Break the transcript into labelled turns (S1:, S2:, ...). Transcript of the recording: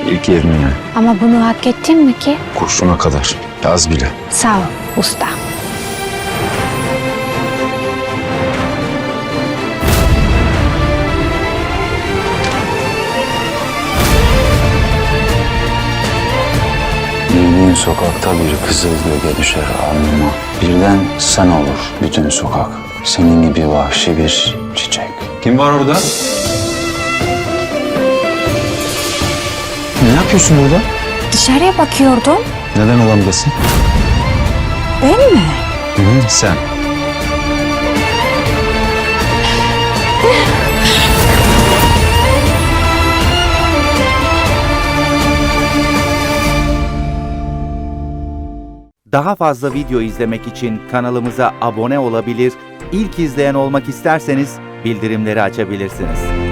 S1: İlk 20'ye.
S2: Ama bunu hak ettin mi ki?
S1: Kurşuna kadar. Az bile.
S2: Sağ ol usta.
S1: Yürüdüğün sokakta bir kızıl gölge düşer alnıma. Birden sen olur bütün sokak. Senin gibi vahşi bir çiçek.
S3: Kim var orada?
S1: Ne yapıyorsun burada?
S2: Dışarıya bakıyordum.
S1: Neden odamdasın?
S2: Ben mi?
S1: Sen.
S4: Daha fazla video izlemek için kanalımıza abone olabilir, ilk izleyen olmak isterseniz bildirimleri açabilirsiniz.